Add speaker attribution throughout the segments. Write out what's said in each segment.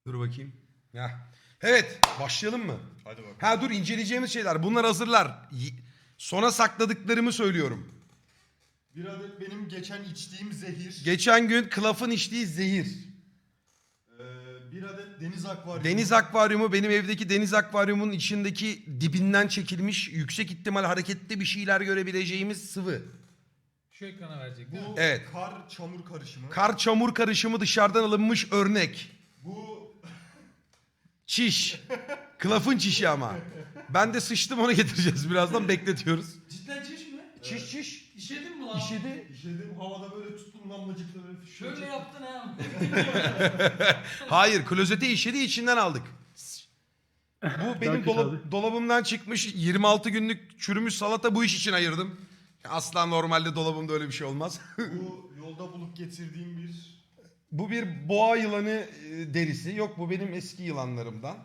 Speaker 1: Dur bakayım. Heh. Evet, başlayalım mı?
Speaker 2: Hadi bakalım.
Speaker 1: Ha dur, inceleyeceğimiz şeyler. Bunlar hazırlar. Sona sakladıklarımı söylüyorum.
Speaker 2: Bir adet benim geçen içtiğim zehir.
Speaker 1: Geçen gün Klaf'ın içtiği zehir.
Speaker 2: Bir adet deniz akvaryumu.
Speaker 1: Deniz akvaryumu, benim evdeki deniz akvaryumunun içindeki dibinden çekilmiş, yüksek ihtimal hareketli bir şeyler görebileceğimiz sıvı.
Speaker 3: Şu ekrana verecek.
Speaker 2: Bu
Speaker 1: Evet.
Speaker 2: kar çamur karışımı.
Speaker 1: Kar çamur karışımı dışarıdan alınmış örnek.
Speaker 2: Bu
Speaker 1: Çiş. Klaf'ın çişi ama. Ben de sıçtım, onu getireceğiz birazdan, bekletiyoruz.
Speaker 3: Cidden çiş mi?
Speaker 1: Çiş çiş.
Speaker 3: İşedin mi lan?
Speaker 1: İşedi.
Speaker 2: işedim havada böyle tuttum damlacıkla böyle fışkıracak.
Speaker 3: Şöyle yaptın ha.
Speaker 1: Hayır, klozete işedi, içinden aldık. Bu benim
Speaker 4: kötü abi.
Speaker 1: dolabımdan çıkmış 26 günlük çürümüş salata, bu iş için ayırdım. Asla normalde dolabımda öyle bir şey olmaz.
Speaker 2: Bu yolda bulup getirdiğim bir
Speaker 1: Bu bir boğa yılanı derisi. Yok, bu benim eski yılanlarımdan.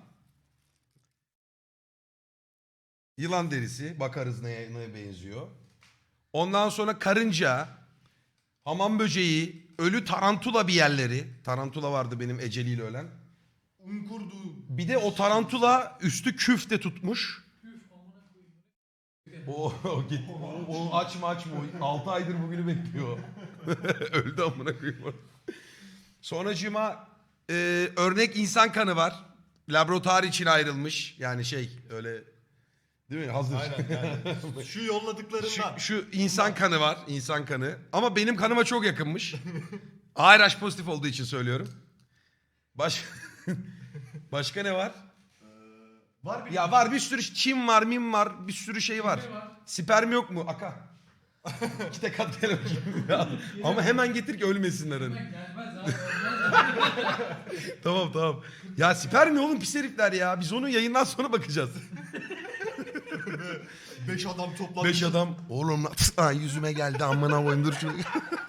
Speaker 1: Yılan derisi. Bakarız neye benziyor. Ondan sonra karınca, hamam böceği, ölü tarantula bir yerleri. Tarantula vardı benim eceliyle ölen.
Speaker 2: unkurdu.
Speaker 1: Bir de o tarantula üstü küfte tutmuş. O açma. O 6 aydır bugünü bekliyor. Öldü amına koyayım. Sonracığıma örnek insan kanı var. Laboratuvar için ayrılmış. Yani öyle değil mi? Hazır.
Speaker 2: Aynen yani. Şu yolladıklarından.
Speaker 1: Şu insan kanı var. İnsan kanı. Ama benim kanıma çok yakınmış. ARH pozitif olduğu için söylüyorum. Başka ne var?
Speaker 2: Var bir
Speaker 1: Ya var bir sürü çim var, mim var, bir sürü şey var.
Speaker 3: Sperm var.
Speaker 1: Sperm yok mu? Aka. İki tek at gel bakayım. Ama hemen getir ki ölmesinler hani.
Speaker 3: Gelmez abi. Gelmez.
Speaker 1: Tamam. Ya sperm ne oğlum, pis herifler ya. Biz onu yayından sonra bakacağız.
Speaker 2: 5 adam toplanmış.
Speaker 1: 5 adam. Oğlum yüzüme geldi, amına koyayım, dur şunu.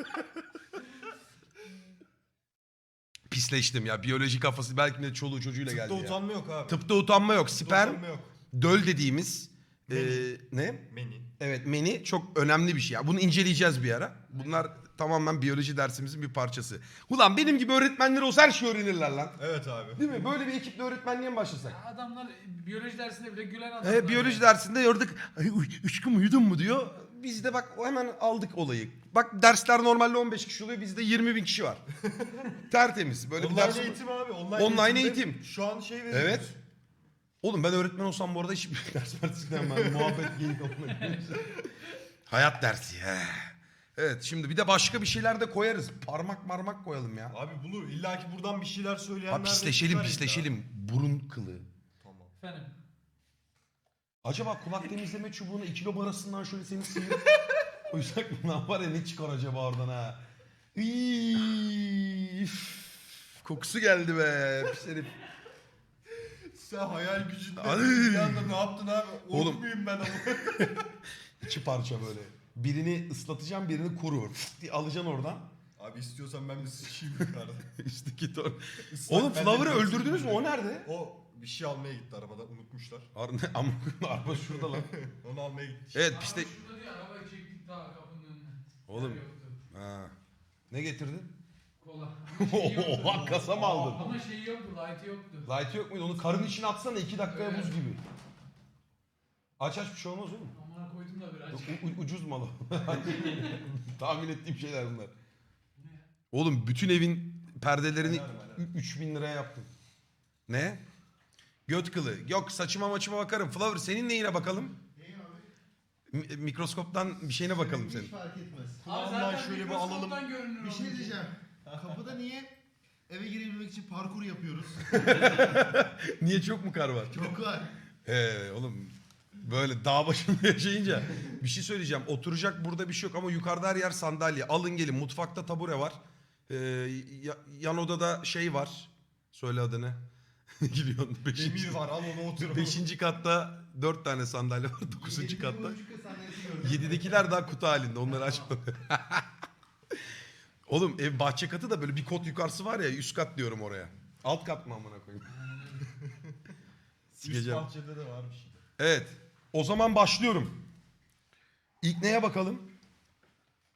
Speaker 1: Pisleştim ya. Biyoloji kafası belki de çoluğu çocuğuyla geldi
Speaker 2: Tıpta
Speaker 1: ya.
Speaker 2: utanma yok abi.
Speaker 1: Tıpta utanma yok. Sperm,
Speaker 2: utanma yok.
Speaker 1: döl dediğimiz
Speaker 2: Meni.
Speaker 1: ne?
Speaker 2: Meni.
Speaker 1: Evet, meni çok önemli bir şey. Ya. Bunu inceleyeceğiz bir ara. Bunlar tamamen biyoloji dersimizin bir parçası. Ulan benim gibi öğretmenler olsa her şeyi öğrenirler lan.
Speaker 2: Evet abi.
Speaker 1: Değil mi? Böyle bir ekiple öğretmenliğe mi başlasak?
Speaker 3: Adamlar biyoloji dersinde bile gülen adamlar.
Speaker 1: Biyoloji dersinde gördük. Üçküm uyudun mu diyor. Biz de bak hemen aldık olayı. Bak dersler normalde 15 kişi oluyor. Bizde 20 bin kişi var. Tertemiz. Böyle bir
Speaker 2: Online
Speaker 1: ders.
Speaker 2: eğitim abi.
Speaker 1: Online eğitim.
Speaker 2: Şu an şey veriyoruz.
Speaker 1: Evet. Oğlum ben öğretmen olsam bu arada hiç ders partisinden ben muhabbet gelip hayat dersi. Evet, şimdi bir de başka bir şeyler de koyarız. Parmak koyalım ya.
Speaker 2: Abi bulur. İlla ki buradan bir şeyler söyleyenler
Speaker 1: Ha,
Speaker 2: de
Speaker 1: pisleşelim.
Speaker 2: çıkar illa.
Speaker 1: Burun kılı.
Speaker 2: Tamam.
Speaker 3: Efendim.
Speaker 1: Acaba kulak temizleme çubuğunu 2 lob arasından şöyle seni sıyırıp koysak mı? Lan var ya, ne çıkar acaba oradan ha? Üf, kokusu geldi be. Pis herif.
Speaker 2: Sen hayal gücünde
Speaker 1: Ay.
Speaker 2: bir anda ne yaptın abi?
Speaker 1: Oğlum.
Speaker 2: Oğlum. Muyum ben ama?
Speaker 1: İki parça böyle. Birini ıslatacağım, birini kuru. Diye alacaksın oradan.
Speaker 2: Abi istiyorsan ben bir sıçayım yukarıda.
Speaker 1: Üstteki ton.
Speaker 2: Islak
Speaker 1: Oğlum
Speaker 2: ben de
Speaker 1: Flower'ı
Speaker 2: görsün
Speaker 1: öldürdünüz mü?
Speaker 2: diye.
Speaker 1: O nerede?
Speaker 2: O bir şey almaya gitti arabadan unutmuşlar.
Speaker 1: Ama araba şurada lan.
Speaker 2: Onu almaya gitti.
Speaker 1: Evet
Speaker 3: Araba
Speaker 1: piste.
Speaker 3: şurada diye arabayı çektik daha kapının önüne.
Speaker 1: Oğlum.
Speaker 3: Yer yoktu.
Speaker 1: Ha. Ne getirdin?
Speaker 3: Kola. Ama şeyi yoktu.
Speaker 1: Oha, kasa mı aldın?
Speaker 3: Ama şeyi yoktu. Light'ı yoktu.
Speaker 1: Light yok muydu? Onu karın içine atsana, 2 dakikaya buz gibi. Aç bir şey olmaz oğlum.
Speaker 3: Amına koydum da biraz.
Speaker 1: Ucuz malı. Tahmin ettiğim şeyler bunlar. Oğlum bütün evin perdelerini
Speaker 2: Helal.
Speaker 1: 3000 liraya yaptım. Ne? Göt kılı. Yok, saçıma maçıma bakarım. Flower, senin neyine bakalım? Mikroskoptan bir şeyine bakalım senin.
Speaker 5: Hiç fark etmez.
Speaker 3: Abi
Speaker 2: Kulağından
Speaker 3: zaten
Speaker 2: şöyle bir
Speaker 3: mikroskoptan
Speaker 2: alalım.
Speaker 3: görünür
Speaker 5: Bir şey
Speaker 3: onun.
Speaker 5: diyeceğim. Kapıda niye eve girebilmek için parkur yapıyoruz?
Speaker 1: Niye, çok mu kar var?
Speaker 5: Çok var.
Speaker 1: Oğlum böyle dağ başında yaşayınca bir şey söyleyeceğim. Oturacak burada bir şey yok ama yukarıda her yer sandalye. Alın gelin, mutfakta tabure var. Yan odada şey var. Söyle adını. Gülüyorsun.
Speaker 2: Demir var al onu otur.
Speaker 1: 5. katta 4 tane sandalye var. 9. katta.
Speaker 5: Buçuk sandalyesi gördüm.
Speaker 1: 7'dekiler daha kutu halinde. Onları açmadı. Oğlum ev bahçe katı da böyle bir kot yukarısı var ya, üst kat diyorum oraya. Alt kat mı amına koyayım?
Speaker 2: Üst
Speaker 1: Sikeceğim.
Speaker 2: bahçede de var bir şey.
Speaker 1: Evet. O zaman başlıyorum. İlk neye bakalım?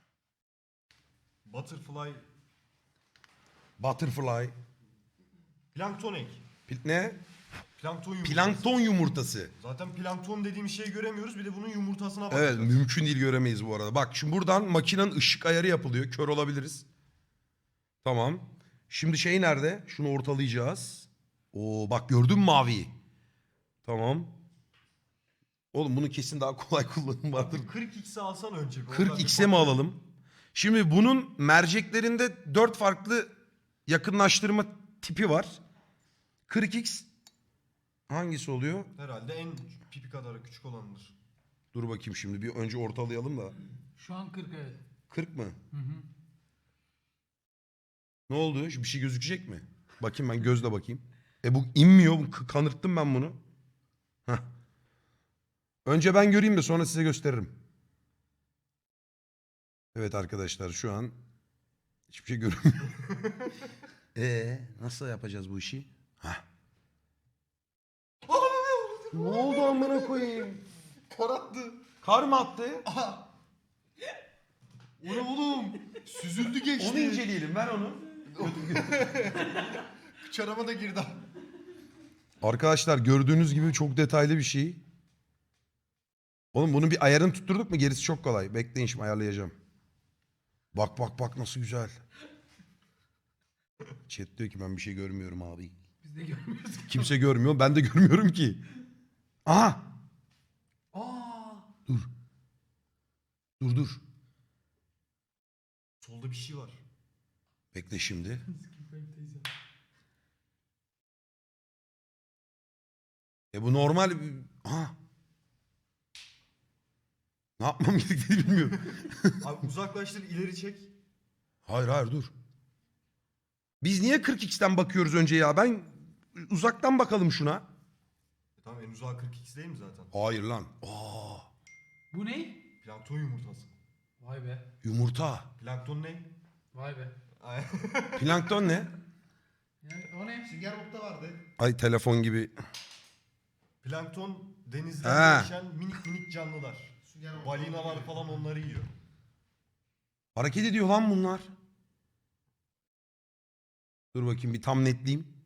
Speaker 2: Butterfly
Speaker 1: Butterfly.
Speaker 2: Plankton ek.
Speaker 1: Ne?
Speaker 2: Plankton yumurtası.
Speaker 1: Plankton yumurtası.
Speaker 2: Zaten plankton dediğim şeyi göremiyoruz. Bir de bunun yumurtasına bakacağız.
Speaker 1: Evet, mümkün değil, göremeyiz bu arada. Bak şimdi buradan makinenin ışık ayarı yapılıyor. Kör olabiliriz. Tamam. Şimdi şey nerede? Şunu ortalayacağız. Oo bak, gördün mü maviyi? Tamam. Oğlum bunun kesin daha kolay kullanım vardır.
Speaker 2: 40x'i alsan önce. bir.
Speaker 1: 40x'e mi alalım? Şimdi bunun merceklerinde 4 farklı yakınlaştırma tipi var. 40x hangisi oluyor?
Speaker 2: Herhalde en pipi kadar küçük olanıdır.
Speaker 1: Dur bakayım, şimdi bir önce ortalayalım da.
Speaker 3: Şu an 40 evet.
Speaker 1: 40 mı?
Speaker 3: Hı hı.
Speaker 1: Ne oldu? Bir şey gözükecek mi? Bakayım, ben gözle bakayım. Bu inmiyor. Kanırttım ben bunu. Heh. Önce ben göreyim de sonra size gösteririm. Evet arkadaşlar, şu an hiçbir şey görünmüyor. Nasıl yapacağız bu işi? Heh. Ne oldu amına koyayım?
Speaker 2: Kar attı.
Speaker 1: Kar mı attı?
Speaker 2: O ne oğlum? Süzüldü geçti.
Speaker 1: Onu inceleyelim, ver onu.
Speaker 2: Çarama da girdi.
Speaker 1: Arkadaşlar gördüğünüz gibi çok detaylı bir şey. Oğlum bunun bir ayarını tutturduk mu gerisi çok kolay. Bekleyin, şimdi ayarlayacağım. Bak bak bak, nasıl güzel. Chat diyor ki ben bir şey görmüyorum abi.
Speaker 3: Biz de görmüyoruz.
Speaker 1: Kimse görmüyor, ben de görmüyorum ki. Aha!
Speaker 3: Aa!
Speaker 1: Dur. Dur.
Speaker 2: Solda bir şey var.
Speaker 1: Bekle şimdi. Bu normal... Aha! Ne yapmam gerektiğini bilmiyorum.
Speaker 2: Abi uzaklaştır, ileri çek.
Speaker 1: Hayır dur. Biz niye 40x'ten bakıyoruz önce ya? Ben uzaktan bakalım şuna.
Speaker 2: Tamam, en uzağı 40x değil mi zaten?
Speaker 1: Hayır lan. Aa,
Speaker 3: Bu ne?
Speaker 2: Plankton yumurtası.
Speaker 3: Vay be.
Speaker 1: yumurta.
Speaker 2: Plankton ne?
Speaker 3: Vay be.
Speaker 2: Ay.
Speaker 1: Plankton ne?
Speaker 3: Yani o ne?
Speaker 5: Sünger Bob'ta vardı.
Speaker 1: Ay, telefon gibi.
Speaker 2: Plankton denizde
Speaker 1: Ha.
Speaker 2: yaşayan minik minik canlılar.
Speaker 5: Sünger Bob'ta
Speaker 2: Balinalar
Speaker 5: vardı.
Speaker 2: falan onları yiyor.
Speaker 1: Hareket ediyor lan bunlar. Dur bakayım bir tam netleyeyim.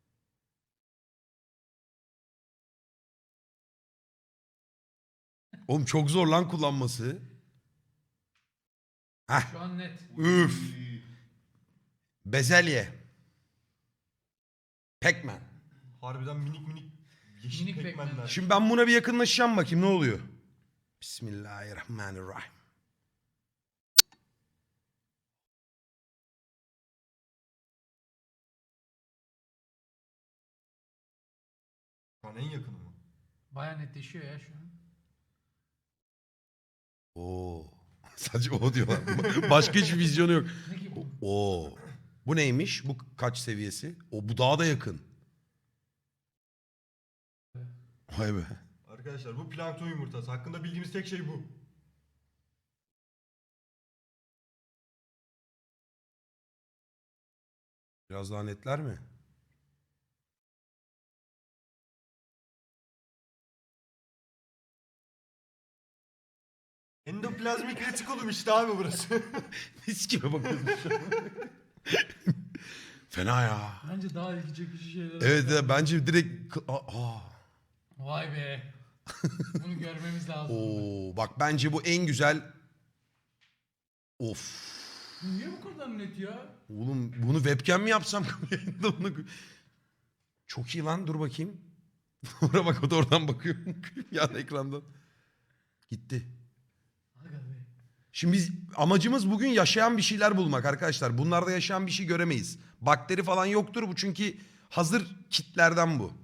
Speaker 1: Oğlum çok zor lan kullanması. Heh.
Speaker 3: Şu an net.
Speaker 1: Üf. Bezelye. Pac-Man.
Speaker 2: Harbiden minik minik yeşil
Speaker 3: Minik
Speaker 2: pekmenler.
Speaker 3: pekmenler.
Speaker 1: Şimdi ben buna bir yakınlaşacağım, bakayım ne oluyor. Bismillahirrahmanirrahim.
Speaker 2: Şu an en yakını mı?
Speaker 3: Baya netleşiyor ya şu an.
Speaker 1: Oo. Sadece o diyorlar. Başka hiçbir vizyonu yok.
Speaker 3: Ne ki bu?
Speaker 1: Oo. Bu neymiş? Bu kaç seviyesi? Bu daha da yakın. Vay be.
Speaker 2: Arkadaşlar bu plankton yumurtası. Hakkında bildiğimiz tek şey bu.
Speaker 1: Biraz daha netler mi?
Speaker 2: Endoplazmik retikulum işte abi burası.
Speaker 1: Mis gibi bakıyorsun şu an. Fena ya.
Speaker 3: Bence daha ilgi çekici şeyler.
Speaker 1: Evet bence direkt...
Speaker 3: Vay be. Bunu görmemiz lazım.
Speaker 1: Oo, bak bence bu en güzel... Of.
Speaker 3: Niye bu kadar net ya?
Speaker 1: Oğlum bunu webcam mi yapsam? Yayında bunu... Çok iyi lan, dur bakayım. Oraya bak, o da oradan bakıyor. Yan ekrandan. Gitti.
Speaker 3: Aga be.
Speaker 1: Şimdi biz amacımız bugün yaşayan bir şeyler bulmak arkadaşlar. Bunlarda yaşayan bir şey göremeyiz. Bakteri falan yoktur bu, çünkü hazır kitlerden bu.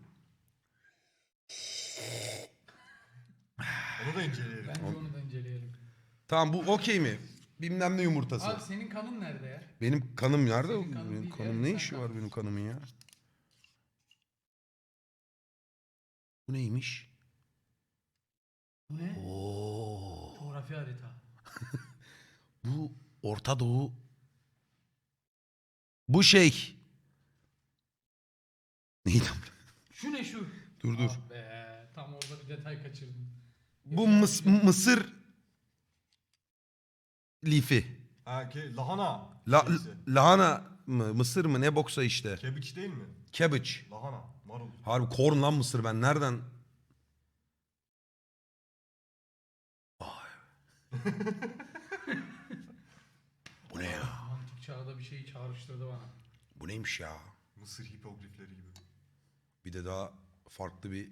Speaker 2: Onu da inceleyelim.
Speaker 3: Bence onu da inceleyelim.
Speaker 1: Tamam, bu okey mi? Bilmem ne yumurtası.
Speaker 3: Abi senin kanın nerede ya?
Speaker 1: Benim kanım nerede?
Speaker 3: Senin kanın
Speaker 1: Benim
Speaker 3: değil
Speaker 1: kanım
Speaker 3: ya,
Speaker 1: ne
Speaker 3: sen
Speaker 1: işi var
Speaker 3: kanın.
Speaker 1: benim kanımın ya? Bu neymiş?
Speaker 3: Bu ne?
Speaker 1: Oo.
Speaker 3: Coğrafi harita.
Speaker 1: Bu Orta Doğu. Bu şey. Neydi?
Speaker 3: Şu ne şu?
Speaker 1: Dur.
Speaker 3: Ah be. Tam orada bir detay kaçırdım.
Speaker 1: Bu mısır lifi.
Speaker 2: Ha ki lahana.
Speaker 1: La,
Speaker 2: şeysi.
Speaker 1: lahana mı? Mısır mı? Ne boksa işte.
Speaker 2: Kebiç değil mi?
Speaker 1: Cabbage.
Speaker 2: Lahana, marul.
Speaker 1: Harbi corn lan mısır, ben nereden? Vay. Bu ne ya?
Speaker 3: Antik çağda bir şey çağrıştırdı bana.
Speaker 1: Bu neymiş ya?
Speaker 2: Mısır hipogrifleri gibi.
Speaker 1: Bir de daha farklı bir...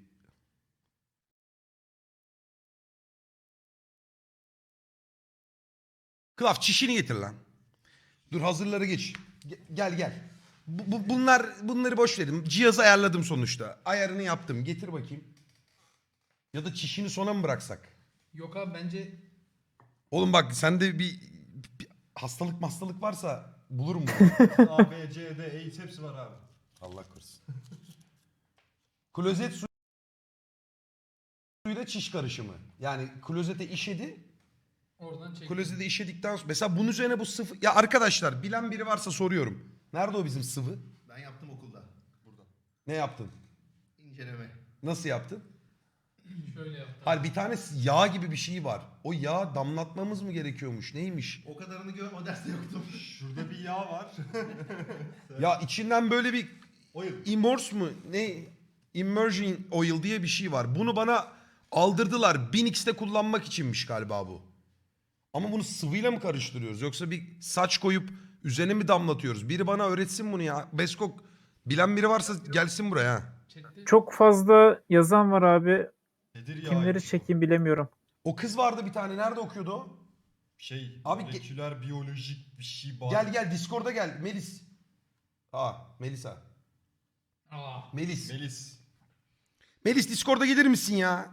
Speaker 1: Klaf çişini getir lan. Dur hazırları geç. Gel gel. Bunları boş verin. Cihazı ayarladım sonuçta. Ayarını yaptım. Getir bakayım. Ya da çişini sona mı bıraksak?
Speaker 3: Yok abi bence
Speaker 1: Oğlum bak sende bir hastalık varsa bulurum bunu.
Speaker 2: A, B, C, D, AIDS hepsi var abi.
Speaker 1: Allah korusun. Klozet suyuyla çiş karışımı. Yani klozete işedi.
Speaker 3: oradan çek.
Speaker 1: Klozete işedikten sonra. Mesela bunun üzerine bu sıvı... Ya arkadaşlar bilen biri varsa soruyorum. Nerede o bizim sıvı?
Speaker 5: Ben yaptım okulda.
Speaker 2: Burada.
Speaker 1: Ne yaptın?
Speaker 5: İnceleme.
Speaker 1: Nasıl yaptın?
Speaker 3: Şöyle yaptım.
Speaker 1: Hayır bir tane yağ gibi bir şey var. O yağ damlatmamız mı gerekiyormuş? Neymiş?
Speaker 5: O kadarını gör, o derste yoktum.
Speaker 2: Şurada bir yağ var.
Speaker 1: Ya içinden böyle bir
Speaker 2: Oil.
Speaker 1: immerse mu? Ne? Immersion oil diye bir şey var. Bunu bana aldırdılar. 1000x'te kullanmak içinmiş galiba bu. Ama bunu sıvıyla mı karıştırıyoruz? Yoksa bir saç koyup üzerine mi damlatıyoruz? Biri bana öğretsin bunu ya. Beskok bilen biri varsa gelsin buraya. Ha.
Speaker 3: Chatte
Speaker 4: Çok fazla yazan var abi.
Speaker 2: Nedir ya?
Speaker 4: Kimleri çekeyim bilemiyorum.
Speaker 1: O kız vardı bir tane. Nerede okuyordu o?
Speaker 2: Abi
Speaker 1: Abi
Speaker 2: moleküler biyolojik bir şey var.
Speaker 1: Gel Discord'a gel. Melis. Melisa.
Speaker 3: Aa,
Speaker 1: Melis.
Speaker 2: Melis.
Speaker 1: Discord'a gelir misin ya?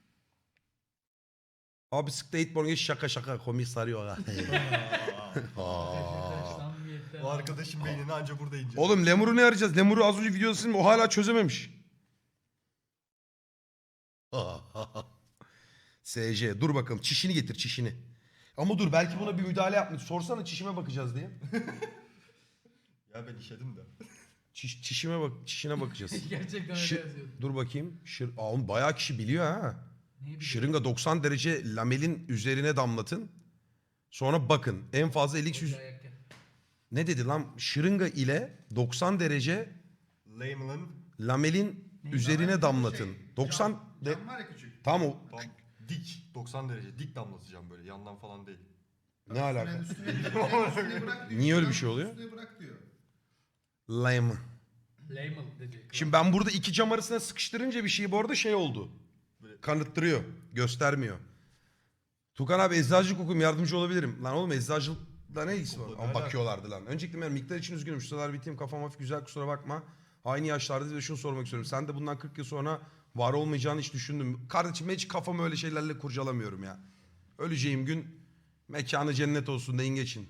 Speaker 1: Abi skateboard geç şaka komik sarıyor ha.
Speaker 3: samimiyetten
Speaker 2: O arkadaşın beynini anca burada ince.
Speaker 1: Oğlum Lemur'u ne arayacağız? Lemur'u az önce videosunu o hala çözememiş. SC dur bakalım çişini getir çişini. Ama dur belki buna bir müdahale yapmış. Sorsana çişime bakacağız diye.
Speaker 2: Ya ben işedim de.
Speaker 1: Çişine bakacağız.
Speaker 3: Gerçekten
Speaker 1: Şi-
Speaker 3: öyle yazıyordu.
Speaker 1: Dur bakayım. Oğlum bayağı kişi biliyor ha.
Speaker 3: Ne bileyim.
Speaker 1: Şırınga 90 derece lamelin üzerine damlatın. Sonra bakın en fazla 50
Speaker 3: Dayak yer.
Speaker 1: ne dedi lan? Şırınga ile 90 derece
Speaker 2: Layman'ın
Speaker 1: lamelin üzerine damlatın. 90
Speaker 5: Cam var ya küçük.
Speaker 1: tam o
Speaker 2: tam dik 90 derece dik damlatacağım böyle yandan falan değil.
Speaker 1: ne alaka?
Speaker 5: Üstüne bırak diyor.
Speaker 1: Niye öyle bir şey oluyor?
Speaker 5: Üstüne bırak diyor.
Speaker 1: Lame.
Speaker 3: Layman dedi.
Speaker 1: Şimdi ben burada iki cam arasına sıkıştırınca bir şey bu arada şey oldu. Kanıttırıyor. Göstermiyor. Tukan abi eczacılık okuyayım yardımcı olabilirim. Lan oğlum eczacılıkla ne ilgisi var?
Speaker 2: Okulda
Speaker 1: Ama
Speaker 2: ne
Speaker 1: bakıyorlardı lan. Öncelikle ben miktar için üzgünüm. Şu sıralar biteyim kafam hafif güzel kusura bakma. Aynı yaşlardayız ve şunu sormak istiyorum. Sen de bundan 40 yıl sonra var olmayacağını hiç düşündün mü? Kardeşim hiç kafamı öyle şeylerle kurcalamıyorum ya. Öleceğim gün mekanı cennet olsun deyin geçin.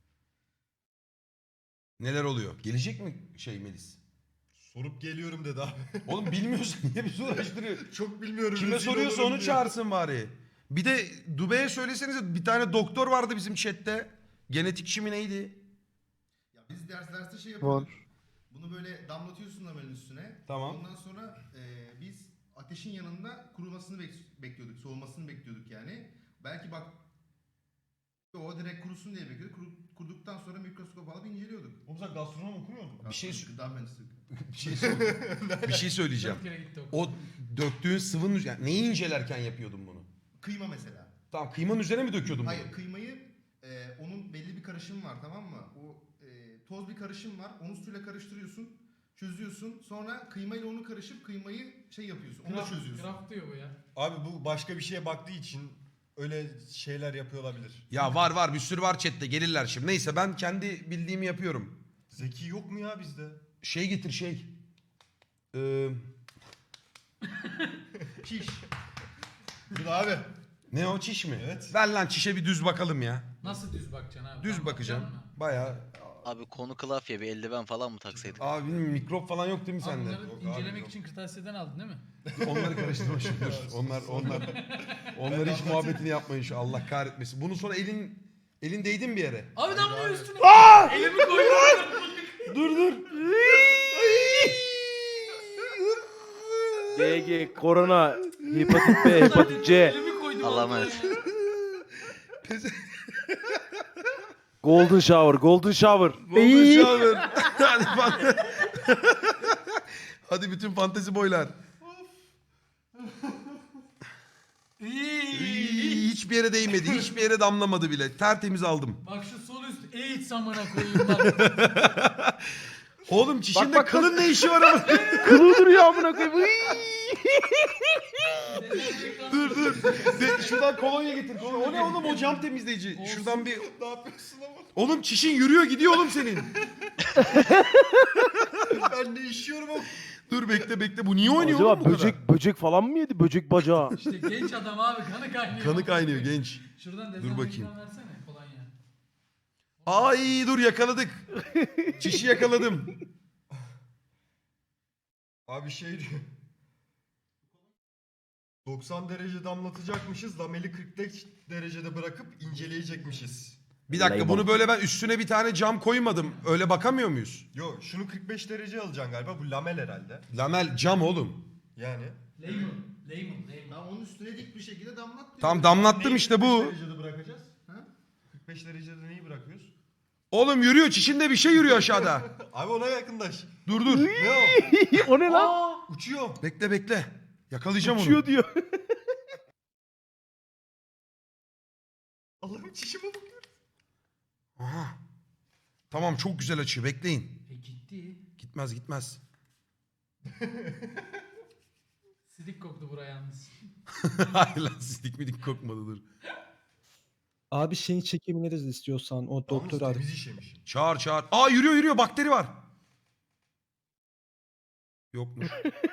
Speaker 1: Neler oluyor? Gelecek mi Melis?
Speaker 2: Sorup geliyorum dedi abi.
Speaker 1: Oğlum bilmiyorsun niye bizi uğraştırıyor?
Speaker 2: Çok bilmiyorum.
Speaker 1: Kime
Speaker 2: rezil
Speaker 1: soruyorsa
Speaker 2: olurum
Speaker 1: onu
Speaker 2: diye.
Speaker 1: çağırsın bari. Bir de Dubai'ye söylesenize bir tane doktor vardı bizim chatte. Genetikçi mi neydi?
Speaker 5: Ya biz derste şey
Speaker 4: Var.
Speaker 5: yapıyorduk. Bunu böyle damlatıyorsun lamelin üstüne.
Speaker 1: Tamam.
Speaker 5: Ondan sonra biz ateşin yanında kurumasını bekliyorduk. Soğumasını bekliyorduk yani. Belki bak o direkt kurusun diye bekliyorduk. Kuruduktan sonra mikroskop alıp inceliyorduk.
Speaker 2: Oğlum sen gastronom okumuyor musun?
Speaker 1: Bir şey
Speaker 5: Gıda mühendisliği.
Speaker 1: bir şey söyleyeceğim.
Speaker 3: 4 kere gitti okula.
Speaker 1: O döktüğün sıvının yani neyi incelerken yapıyordun bunu?
Speaker 5: Kıyma mesela.
Speaker 1: Tamam kıymanın üzerine mi döküyordun bunu?
Speaker 5: Hayır kıymayı onun belli bir karışımı var tamam mı? O toz bir karışım var. Onu suyla karıştırıyorsun. Çözüyorsun. Sonra kıymayla onu karışıp kıymayı şey yapıyorsun. Onu da çözüyorsun.
Speaker 3: Craft diyor bu ya.
Speaker 2: Abi bu başka bir şeye baktığı için öyle şeyler yapıyor olabilir.
Speaker 1: Ya var bir sürü var chatte gelirler şimdi. Neyse ben kendi bildiğimi yapıyorum.
Speaker 2: Zeki yok mu ya bizde?
Speaker 1: Şey getir.
Speaker 5: Çiş.
Speaker 2: Dur abi.
Speaker 1: Ne o çiş mi?
Speaker 2: Evet.
Speaker 1: Ver lan çişe bir düz bakalım ya.
Speaker 3: Nasıl düz bakacaksın abi?
Speaker 1: Düz
Speaker 3: Tam
Speaker 1: bakacağım.
Speaker 3: bakacaksın mı?
Speaker 1: Bayağı.
Speaker 6: Abi konu klavye bir eldiven falan mı taksaydık?
Speaker 1: Abi benim mikrop falan yok değil mi
Speaker 3: Abi
Speaker 1: sende?
Speaker 3: bunları
Speaker 2: Yok abi,
Speaker 3: incelemek
Speaker 2: yok.
Speaker 3: için kırtasiyeden aldın değil mi?
Speaker 1: Onları karıştırma şimdi dur. Onları hiç muhabbetini yapmayın şu Allah kahretmesin. Bunu sonra elin değdi mi bir yere?
Speaker 3: Abi damlıyor üstüne.
Speaker 1: Aa!
Speaker 3: Elimi koydum.
Speaker 1: Dur.
Speaker 7: DG, korona, hepatit B, hepatit C.
Speaker 3: Elimi koydum.
Speaker 6: Allah'a
Speaker 3: ortaya
Speaker 6: emanet.
Speaker 3: ya.
Speaker 7: Golden shower, golden shower.
Speaker 1: Golden shower. Hadi, hadi bütün fantezi boylar. Hiçbir yere değmedi. Hiçbir yere damlamadı bile. Tertemiz aldım.
Speaker 3: Bak şu sol üst AIDS amına koyayım bak.
Speaker 1: Oğlum çişinde
Speaker 7: bak,
Speaker 1: kılın ne işi var ama?
Speaker 7: Kılığı duruyor amına koyayım.
Speaker 1: Dur. Şuradan kolonya getir. O ne oğlum o cam temizleyici. Şuradan bir...
Speaker 2: Ne yapıyorsun ama?
Speaker 1: Oğlum çişin yürüyor gidiyor oğlum senin.
Speaker 2: Ben ne işiyorum ama?
Speaker 1: Dur bekle bu niye oynuyor oğlum
Speaker 7: Acaba
Speaker 1: bu kadar?
Speaker 7: böcek falan mı yedi? Böcek bacağı.
Speaker 3: İşte genç adam abi kanı kaynıyor.
Speaker 1: Kanı kaynıyor genç.
Speaker 3: Şuradan
Speaker 1: Dur bakayım.
Speaker 3: dezenfektan versene kolonya.
Speaker 1: Ay dur yakaladık. Çişi yakaladım.
Speaker 2: Abi şey diyor. 90 derece damlatacakmışız. Lameli 45 derecede bırakıp inceleyecekmişiz.
Speaker 1: Bir dakika
Speaker 7: Layman.
Speaker 1: bunu böyle ben üstüne bir tane cam koymadım. Öyle bakamıyor muyuz?
Speaker 2: Yo şunu 45 derece alacaksın galiba. Bu lamel herhalde.
Speaker 1: Lamel cam oğlum.
Speaker 2: Yani.
Speaker 3: Lemon.
Speaker 5: Tamam onun üstüne dik bir şekilde damlat diyor.
Speaker 1: Tam damlattım
Speaker 2: Neyi
Speaker 1: işte
Speaker 2: 45
Speaker 1: bu.
Speaker 2: derecede bırakacağız?
Speaker 5: Ha?
Speaker 2: 45 derecede neyi bırakıyoruz?
Speaker 1: Oğlum yürüyor çişinde bir şey yürüyor aşağıda.
Speaker 2: Abi ona yakınlaş.
Speaker 1: Dur.
Speaker 2: Ne o?
Speaker 7: O ne lan?
Speaker 2: Uçuyor.
Speaker 1: Bekle. Yakalayacağım
Speaker 7: Uçuyor
Speaker 1: onu.
Speaker 7: diyor.
Speaker 2: Allah'ım çişime bakıyor.
Speaker 1: Aha. Tamam çok güzel açıyor bekleyin.
Speaker 3: Gitti.
Speaker 1: Gitmez.
Speaker 3: Sidik koktu buraya yalnız.
Speaker 1: Hayır lan sidik midik kokmadı dur.
Speaker 8: Abi şeyi çekebiliriz istiyorsan o doktor
Speaker 2: Yalnız
Speaker 8: ar-
Speaker 2: temiz işemiş.
Speaker 1: Çağır. Aa yürüyor bakteri var. Yokmuş.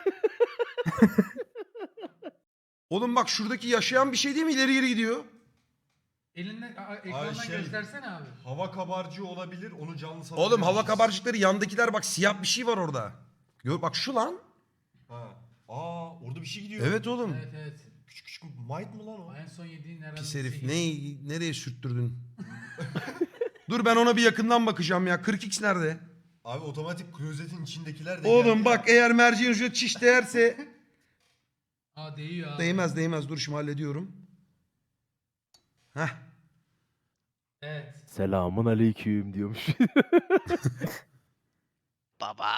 Speaker 1: Oğlum bak şuradaki yaşayan bir şey değil mi? İleri geri gidiyor.
Speaker 3: Elinden ekrandan
Speaker 2: şey-
Speaker 3: göstersene abi.
Speaker 2: Hava kabarcığı olabilir. Onu canlı
Speaker 1: Oğlum
Speaker 2: satabiliriz.
Speaker 1: hava kabarcıkları yandakiler bak siyah bir şey var orada. Gör bak şu lan.
Speaker 2: Ha. Aa orada bir şey gidiyor.
Speaker 1: Evet oğlum.
Speaker 3: Evet.
Speaker 2: Küçük might mı lan o?
Speaker 3: En son yediğin herhalde.
Speaker 1: Pis herif.
Speaker 3: sekiz.
Speaker 1: Nereye sürttürdün? Dur ben ona bir yakından bakacağım ya. 40x nerede?
Speaker 2: Abi otomatik klozetin içindekiler de
Speaker 1: Oğlum
Speaker 2: geldi
Speaker 1: bak
Speaker 2: ya.
Speaker 1: eğer merceğin ucuna çiş değerse.
Speaker 3: Aa değiyor abi.
Speaker 1: Değmez. Dur şimdi hallediyorum. Heh.
Speaker 3: Evet.
Speaker 7: Selamun aleyküm diyormuş.
Speaker 6: Baba.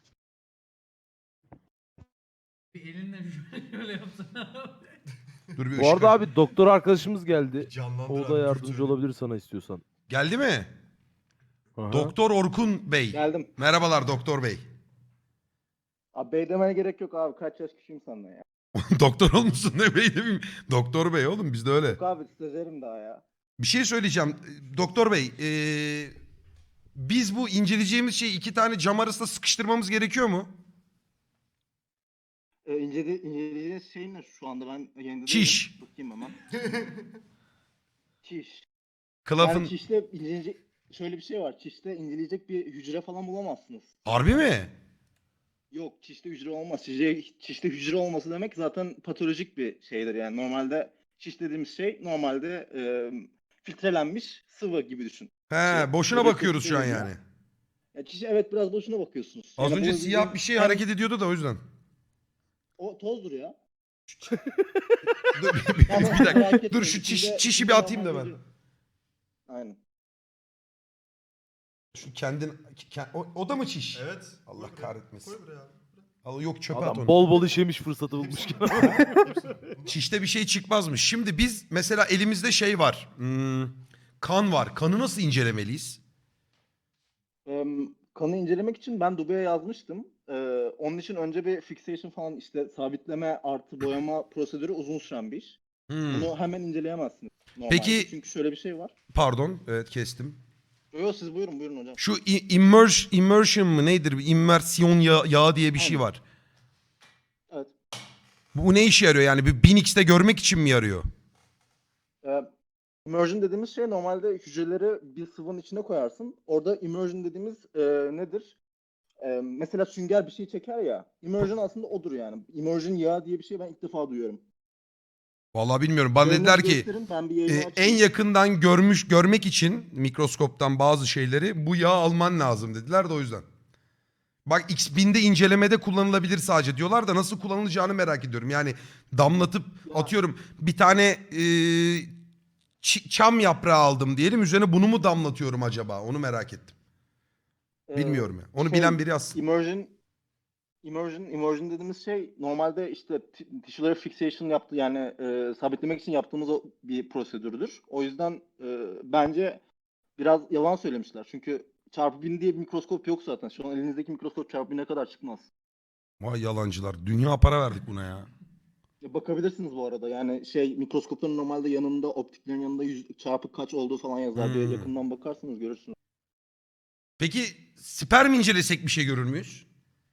Speaker 3: Bir elinle şöyle yapsana abi.
Speaker 1: Dur bir
Speaker 7: Bu arada abi doktor arkadaşımız geldi.
Speaker 2: Canlandır
Speaker 7: O
Speaker 2: abi,
Speaker 7: da
Speaker 2: dur
Speaker 7: yardımcı
Speaker 2: söyle.
Speaker 7: olabilir sana istiyorsan.
Speaker 1: Geldi mi?
Speaker 7: Aha.
Speaker 1: Doktor Orkun Bey.
Speaker 9: Geldim.
Speaker 1: Merhabalar Doktor Bey.
Speaker 9: Abi bey demene gerek yok abi. Kaç yaş küçüğüm senden ya.
Speaker 1: Doktor olmuşsun ne bey demeyeyim. Doktor Bey oğlum bizde öyle.
Speaker 9: Yok abi stajyerim daha ya.
Speaker 1: Bir şey söyleyeceğim. Doktor Bey, biz bu inceleyeceğimiz şeyi 2 tane cam arasında sıkıştırmamız gerekiyor mu?
Speaker 9: İncelediğiniz şey ne şu anda ben yayında
Speaker 1: Çiş.
Speaker 9: değilim. Bakayım hemen. Çiş.
Speaker 1: Kılafın...
Speaker 9: Yani çişte inceleyecek şöyle bir şey var. Çişte inceleyecek bir hücre falan bulamazsınız.
Speaker 1: Harbi mi?
Speaker 9: Yok çişte hücre olmaz. Çişte hücre olması demek zaten patolojik bir şeydir yani. Normalde çiş dediğimiz şey normalde filtrelenmiş sıvı gibi düşün.
Speaker 1: He, boşuna
Speaker 9: böbrek
Speaker 1: bakıyoruz şu an
Speaker 9: yetiştiğimiz
Speaker 1: yani.
Speaker 9: Ya çiş evet biraz boşuna bakıyorsunuz.
Speaker 1: Az
Speaker 9: Yani
Speaker 1: önce
Speaker 9: bu
Speaker 1: siyah
Speaker 9: bizim-
Speaker 1: bir şey hareket ediyordu da o yüzden.
Speaker 9: O tozdur ya.
Speaker 1: Dur
Speaker 9: Tamam,
Speaker 1: bir dakika.
Speaker 9: merak etmeyin.
Speaker 1: Dur şu çişi bir atayım da ben.
Speaker 9: Aynen.
Speaker 1: Şu o da mı çiş?
Speaker 2: Evet.
Speaker 1: Allah
Speaker 2: Koy buraya.
Speaker 1: kahretmesin.
Speaker 2: Koy buraya abi.
Speaker 1: Al yok çöpe at
Speaker 7: Adam
Speaker 1: onu.
Speaker 7: bol bol işemiş fırsatı bulmuşken.
Speaker 1: Çişte bir şey çıkmazmış. Şimdi biz mesela elimizde şey var. Kan var. Kanı nasıl incelemeliyiz?
Speaker 9: Kanı incelemek için ben Dubai'ye yazmıştım. Onun için önce bir fixation falan işte sabitleme artı boyama prosedürü uzun süren bir iş.
Speaker 1: Hmm.
Speaker 9: Bunu hemen inceleyemezsiniz. Normalde.
Speaker 1: Peki-
Speaker 9: Çünkü şöyle bir şey var.
Speaker 1: Pardon. Evet kestim.
Speaker 9: Yok siz buyurun hocam.
Speaker 1: Şu immersion mı nedir? İmmersiyon yağı diye bir şey var.
Speaker 9: Evet.
Speaker 1: Bu ne işe yarıyor yani? Bir 1000x'te görmek için mi yarıyor?
Speaker 9: Immersion dediğimiz şey normalde hücreleri bir sıvının içine koyarsın. Orada immersion dediğimiz nedir? Mesela sünger bir şey çeker ya. Immersion aslında odur yani. Immersion yağı diye bir şey ben ilk defa duyuyorum.
Speaker 1: Vallahi bilmiyorum. Bana
Speaker 9: Yayını
Speaker 1: dediler ki
Speaker 9: gösterin, ben bir yayını
Speaker 1: en
Speaker 9: açayım.
Speaker 1: yakından görmek için mikroskoptan bazı şeyleri bu yağı alman lazım dediler de o yüzden. Bak X1000'de incelemede kullanılabilir sadece diyorlar da nasıl kullanılacağını merak ediyorum. Yani damlatıp atıyorum bir tane çam yaprağı aldım diyelim. Üzerine bunu mu damlatıyorum acaba? Onu merak ettim.
Speaker 9: Ee,
Speaker 1: Bilmiyorum ya. Onu
Speaker 9: şey,
Speaker 1: bilen biri yazsın.
Speaker 9: Immersion dediğimiz şey normalde işte tissue fixation yaptı yani sabitlemek için yaptığımız bir prosedürdür. O yüzden bence biraz yalan söylemişler. Çünkü çarpı 1000 diye bir mikroskop yok zaten. Şu an elinizdeki mikroskop çarpı 1000'e kadar çıkmaz.
Speaker 1: Vay yalancılar. Dünya para verdik buna ya.
Speaker 9: Bakabilirsiniz bu arada. Yani mikroskopların normalde yanında optiklerin yanında çarpı kaç olduğu falan yazar diye yakından bakarsanız görürsünüz.
Speaker 1: Peki sperm incelesek bir şey görür müyüz?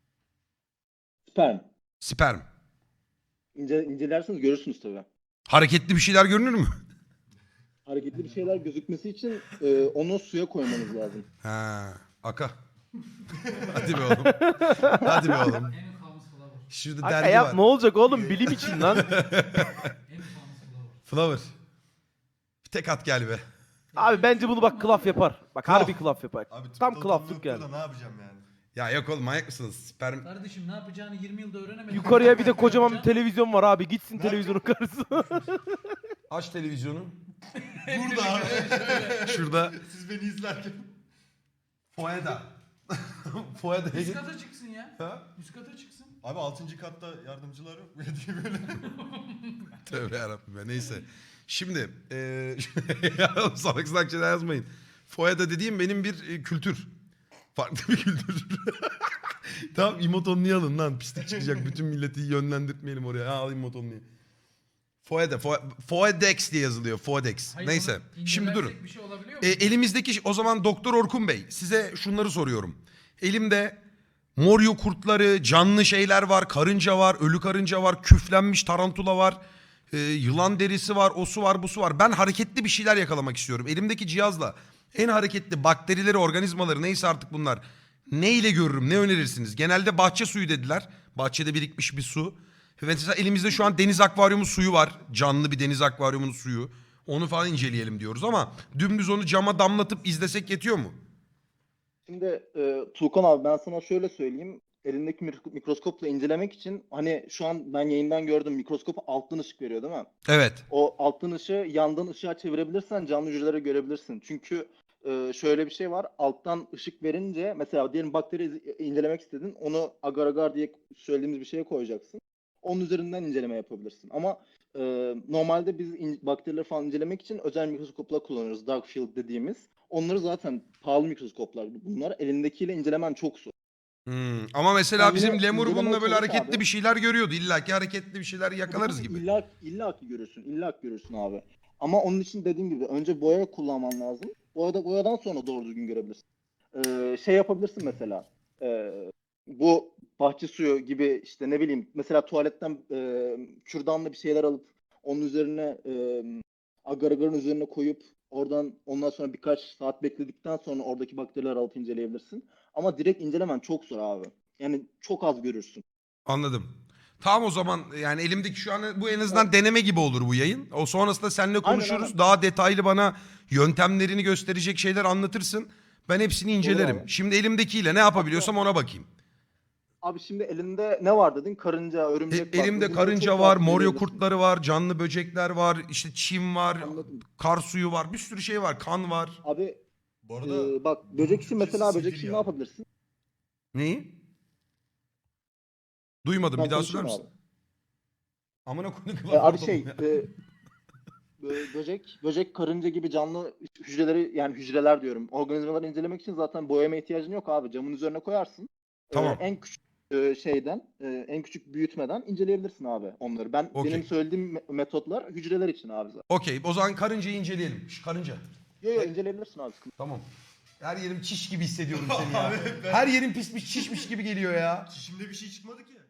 Speaker 9: Sperm.
Speaker 1: Sperm.
Speaker 9: İncelerseniz görürsünüz tabii.
Speaker 1: Hareketli bir şeyler görünür mü?
Speaker 9: Hareketli bir şeyler gözükmesi için onu suya koymanız lazım.
Speaker 1: Ha, aka. Hadi be oğlum. Hadi be oğlum.
Speaker 3: En famous flower.
Speaker 1: Şurada
Speaker 7: Aga
Speaker 1: dergi
Speaker 7: yap
Speaker 1: var.
Speaker 7: ne olacak oğlum bilim için lan.
Speaker 3: En famous flower.
Speaker 1: Flower. Bir tek at gel be.
Speaker 7: Abi bence bunu bak klaf yapar. Bak
Speaker 1: Klaf.
Speaker 7: harbi klaf yapar.
Speaker 2: Abi
Speaker 7: Tam
Speaker 2: tıpta
Speaker 7: klaflık
Speaker 2: oturduğum
Speaker 7: yani.
Speaker 2: noktada ne yapacağım yani?
Speaker 1: Ya yok oğlum manyak mısınız? Sperm.
Speaker 3: Kardeşim ne yapacağını 20 yılda öğrenemedin.
Speaker 7: Yukarıya bir de kocaman bir televizyon var abi. Gitsin televizyonun karşısına.
Speaker 1: Aç televizyonu.
Speaker 2: Burada abi.
Speaker 1: Şurada.
Speaker 2: Siz beni izlerken.
Speaker 1: Foyada. Foyada.
Speaker 3: Üst kata çıksın ya.
Speaker 1: Ha?
Speaker 3: Üst kata çıksın.
Speaker 2: Abi 6. katta yardımcılar yok mu diye böyle.
Speaker 1: Tövbe yarabbim ya neyse. Şimdi ya salak salak şeyler yazmayın. Foyada dediğim benim bir kültür. Farklı bir kültür. Tamam imotonluyu alın lan pislik çıkacak. Bütün milleti yönlendirtmeyelim oraya. Ha, al imotonluyu. Foyada. Foedex diye yazılıyor. Foedex.
Speaker 3: Hayır,
Speaker 1: Neyse.
Speaker 3: onu
Speaker 1: Şimdi durun.
Speaker 3: incelersek bir şey olabiliyor mu?
Speaker 1: Elimizdeki o zaman Doktor Orkun Bey size şunları soruyorum. Elimde moryo kurtları, canlı şeyler var, karınca var, ölü karınca var, küflenmiş tarantula var, yılan derisi var, osu var, busu var. Ben hareketli bir şeyler yakalamak istiyorum. Elimdeki cihazla en hareketli bakterileri, organizmaları neyse artık bunlar. Ne ile görürüm, ne önerirsiniz? Genelde bahçe suyu dediler. Bahçede birikmiş bir su. Ve mesela elimizde şu an deniz akvaryumu suyu var. Canlı bir deniz akvaryumunun suyu. Onu falan inceleyelim diyoruz ama dümdüz onu cama damlatıp izlesek yetiyor mu?
Speaker 9: Şimdi Tuğkan abi ben sana şöyle söyleyeyim. Elindeki mikroskopla incelemek için hani şu an ben yayından gördüm mikroskop alttan ışık veriyor değil mi?
Speaker 1: Evet.
Speaker 9: O alttan ışığı yandan ışığa çevirebilirsen canlı hücreleri görebilirsin. Çünkü şöyle bir şey var. Alttan ışık verince mesela diyelim bakteri incelemek istedin. Onu agar agar diye söylediğimiz bir şeye koyacaksın. Onun üzerinden inceleme yapabilirsin. Ama normalde biz bakterileri falan incelemek için özel mikroskoplar kullanıyoruz. Dark field dediğimiz. Onları zaten pahalı mikroskoplar bunlar. Elindekiyle incelemen çok zor.
Speaker 1: Ama mesela
Speaker 9: Yani
Speaker 1: bizim
Speaker 9: yine
Speaker 1: lemur
Speaker 9: incelemeye
Speaker 1: bununla böyle
Speaker 9: çalış
Speaker 1: hareketli
Speaker 9: abi.
Speaker 1: bir şeyler görüyordu. İlla ki hareketli bir şeyler yakalarız gibi.
Speaker 9: İlla ki görürsün. İlla ki görürsün abi. Ama onun için dediğim gibi önce boya kullanman lazım. Boyadan sonra doğru düzgün görebilirsin. Şey yapabilirsin mesela. Bu bahçe suyu gibi işte ne bileyim mesela tuvaletten kürdanla bir şeyler alıp onun üzerine agar agarın üzerine koyup ondan sonra birkaç saat bekledikten sonra oradaki bakterileri alıp inceleyebilirsin. Ama direkt incelemen çok zor abi. Yani çok az görürsün.
Speaker 1: Anladım. Tamam o zaman yani elimdeki şu an bu en azından deneme gibi olur bu yayın. O sonrasında seninle konuşuruz.
Speaker 9: aynen.
Speaker 1: Daha detaylı bana yöntemlerini gösterecek şeyler anlatırsın. Ben hepsini incelerim.
Speaker 9: abi.
Speaker 1: Şimdi elimdekiyle ne yapabiliyorsam ona bakayım.
Speaker 9: Abi şimdi elinde ne var dedin? Karınca, örümcek var.
Speaker 1: Elimde
Speaker 9: Bunları
Speaker 1: karınca
Speaker 9: çok
Speaker 1: var,
Speaker 9: rahat
Speaker 1: moryo
Speaker 9: görebilirsin.
Speaker 1: kurtları var, canlı böcekler var, işte çim var,
Speaker 9: Anladım.
Speaker 1: kar suyu var, bir sürü şey var, kan var.
Speaker 9: Abi
Speaker 2: Bu arada
Speaker 9: bak böcek için mesela
Speaker 2: Türkçesi
Speaker 9: böcek için
Speaker 2: Sibirya.
Speaker 9: ne yapabilirsin?
Speaker 1: Neyi? Duymadım
Speaker 9: Ben
Speaker 1: bir daha söyler
Speaker 9: konuşayım
Speaker 1: misin? Amına koyduk.
Speaker 9: Abi böcek, karınca gibi canlı hücreleri yani hücreler diyorum. Organizmaları incelemek için zaten boyama ihtiyacın yok abi. Camın üzerine koyarsın.
Speaker 1: Tamam.
Speaker 9: En küçük en küçük büyütmeden inceleyebilirsin abi onları.
Speaker 1: Okey.
Speaker 9: Benim söylediğim metotlar hücreler için abi zaten.
Speaker 1: Okey o zaman karıncayı inceleyelim. Şu karınca.
Speaker 9: Yok inceleyebilirsin abi.
Speaker 1: Tamam. Her yerim çiş gibi hissediyorum seni ya. Her yerim pismiş çişmiş gibi geliyor ya.
Speaker 2: çişimde bir şey çıkmadı ki.